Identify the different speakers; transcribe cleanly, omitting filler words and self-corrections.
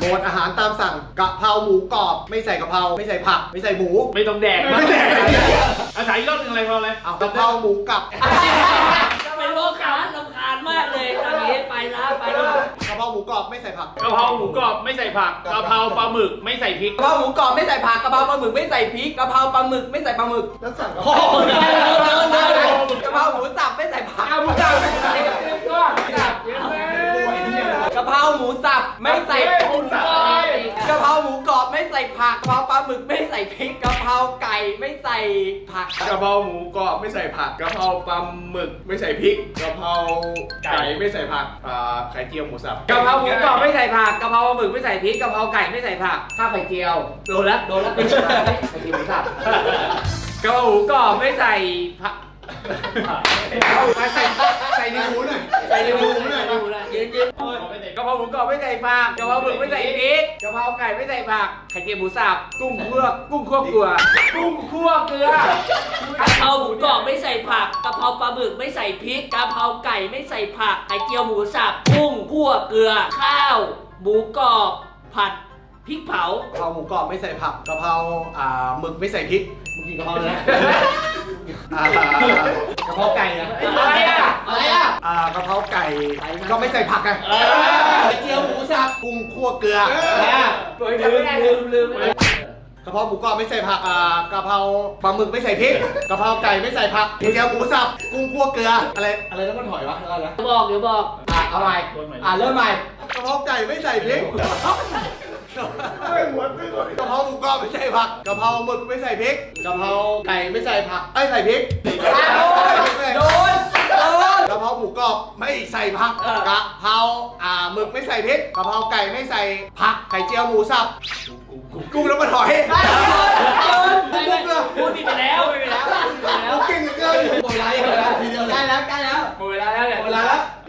Speaker 1: มวดอาหารตามสั่งกะเพราหมูกรอบไม่ใส่กะเพราไม่ใส่ผักไม่ใส่หมู
Speaker 2: ไม่ต้องแดก
Speaker 1: ไม่แดก
Speaker 2: อาศัยอีกรอบหนึ่งอะไรเราเลย
Speaker 1: เอากะเพราหมูกับ
Speaker 3: เป็นโลกาลำคาญมากเลยตอนนี้ไปแล้วไปแล้ว
Speaker 1: กะเพราหมูกรอบไม่ใส่ผัก
Speaker 2: กะเพราหมูกรอบไม่ใส่ผักกะเพราปลาหมึกไม่ใส่พริก
Speaker 4: กะเพราหมูกรอบไม่ใส่ผักกะเพราปลาหมึกไม่ใส่พริกกะเพราปลาหมึกไม่ใส่ปลาหมึก
Speaker 1: แล้วสั่งกะเพ
Speaker 4: โอ้
Speaker 1: รา
Speaker 4: โหกะเพราหมูสับไม่ใส่ผัก
Speaker 2: เอาหมูสับไม่ใส่ก็สับเยอะเลย
Speaker 4: กะเพราหมูสับไม่ใส่
Speaker 2: หมูสับ
Speaker 4: กะเพราหมูกรอบไม่ใส่ผักกะเพราปลาหมึกไม่ใส่พริกกะเพราไก่ไม่ใส่ผัก
Speaker 5: กะเพราหมูกรอบไม่ใส่ผักกะเพราปลาหมึกไม่ใส่พริกกะเพราไก่ไม่ใส่ผักไข่เจียวหมูสับ
Speaker 4: กะเพราหมูกรอบไม่ใส่ผักกะเพราปลาหมึกไม่ใส่พริกกะเพราไก่ไม่ใส่ผักข้าวไข่เจียวโดนแล้วไข่เจียวหมูสับกะเพราหมูกรอบไม่ใส่ผัก
Speaker 1: ใส่ในหมูหน่อย
Speaker 4: ใส่ในหมู
Speaker 1: หน่อย
Speaker 3: ดูแลยืน
Speaker 4: กะเพราหมูกรอบไม่ใส่ผักกะเพราหมึกไม่ใส่พริกกะเพราไก่ไม่ใส่ผักไข่เจียวหมูสับกุ้งคั่วเกลือกุ้งคั่วเกลือก
Speaker 3: ะเพราหมูกรอบไม่ใส่ผักกะเพราปลาหมึกไม่ใส่พริกกะเพราไก่ไม่ใส่ผักไข่เจียวหมูสับกุ้งคั่วเกลือข้าวหมูกรอบผัดพริกเผาก
Speaker 1: ะเพราหมูกรอบไม่ใส่ผักกะเพราหมึกไม่ใส่พริกมึงกินกะเพราเลยนะกะเพราไก่นะ
Speaker 4: อะไรอ่ะ
Speaker 1: กะเพราไก่ก็ไม่ใส่ผักไง
Speaker 4: ไข่เจียวหมูสับ
Speaker 1: กุ้งคั่วเกลือ
Speaker 4: ลืม
Speaker 1: กะเพราหมูกรอบไม่ใส่ผักกะเพราปลาหมึกไม่ใส่พริกกะเพราไก่ไม่ใส่ผักไข่เจียวหมูสับกุ้งคั่วเกลืออะไรแล้วมันหอยวะอะไรนะ
Speaker 3: เดี๋ยวบอก
Speaker 4: เอาใหม่เริ่มใหม่
Speaker 1: กะเพราไก่ไม่ใส่พริกกะเพราหมูกรอบไม่ใส่ผักกะเพราหมึกไม่ใส่พริกกะเพราไก่ไม่ใส่ผักใส่พริก
Speaker 4: โดน
Speaker 1: กะเพราหมูกรอบไม่ใส่ผักกะเพราหมึกไม่ใส่พริกกะเพราไก่ไม่ใส่ผักไข่เจียวหมูสับกุ้งแล้วมันหอย
Speaker 3: พูดผิดไปแล้ว
Speaker 1: เก่งเหลือเกินหมดเวลาทีเดียวเลย
Speaker 4: ใกล้แล้วหมดเวลาแล้วเนี่ย
Speaker 1: หมดเวลาแล้ว